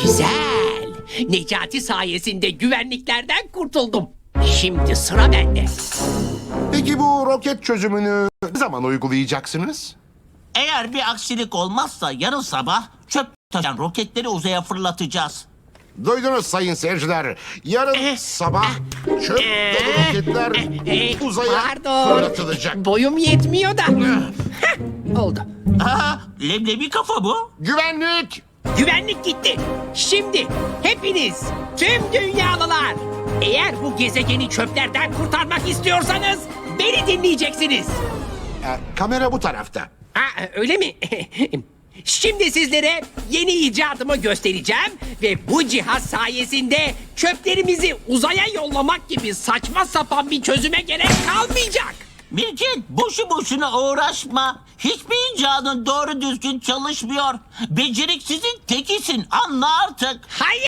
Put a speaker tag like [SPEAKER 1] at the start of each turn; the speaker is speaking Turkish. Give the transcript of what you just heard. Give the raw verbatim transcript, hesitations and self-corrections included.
[SPEAKER 1] Güzel. Necati sayesinde güvenliklerden kurtuldum. Şimdi sıra bende.
[SPEAKER 2] Peki bu roket çözümünü ne zaman uygulayacaksınız?
[SPEAKER 3] Eğer bir aksilik olmazsa yarın sabah çöp taşıyan roketleri uzaya fırlatacağız.
[SPEAKER 2] Duydunuz sayın seyirciler. Yarın sabah çöp dolu roketler
[SPEAKER 1] Ee,
[SPEAKER 2] uzaya
[SPEAKER 1] Pardon.
[SPEAKER 2] fırlatılacak.
[SPEAKER 1] Boyum yetmiyor da. Heh, oldu.
[SPEAKER 3] Aha, leblebi kafa bu.
[SPEAKER 2] Güvenlik!
[SPEAKER 1] Güvenlik gitti. Şimdi hepiniz, tüm dünyalılar, eğer bu gezegeni çöplerden kurtarmak istiyorsanız beni dinleyeceksiniz.
[SPEAKER 2] Ee, kamera bu tarafta.
[SPEAKER 1] Ha, öyle mi? Şimdi sizlere yeni icadımı göstereceğim ve bu cihaz sayesinde çöplerimizi uzaya yollamak gibi saçma sapan bir çözüme gerek kalmayacak.
[SPEAKER 3] Mirket, boşu boşuna uğraşma. Hiçbir icadın doğru düzgün çalışmıyor. Beceriksizin tekisin, anla artık.
[SPEAKER 1] Hayır.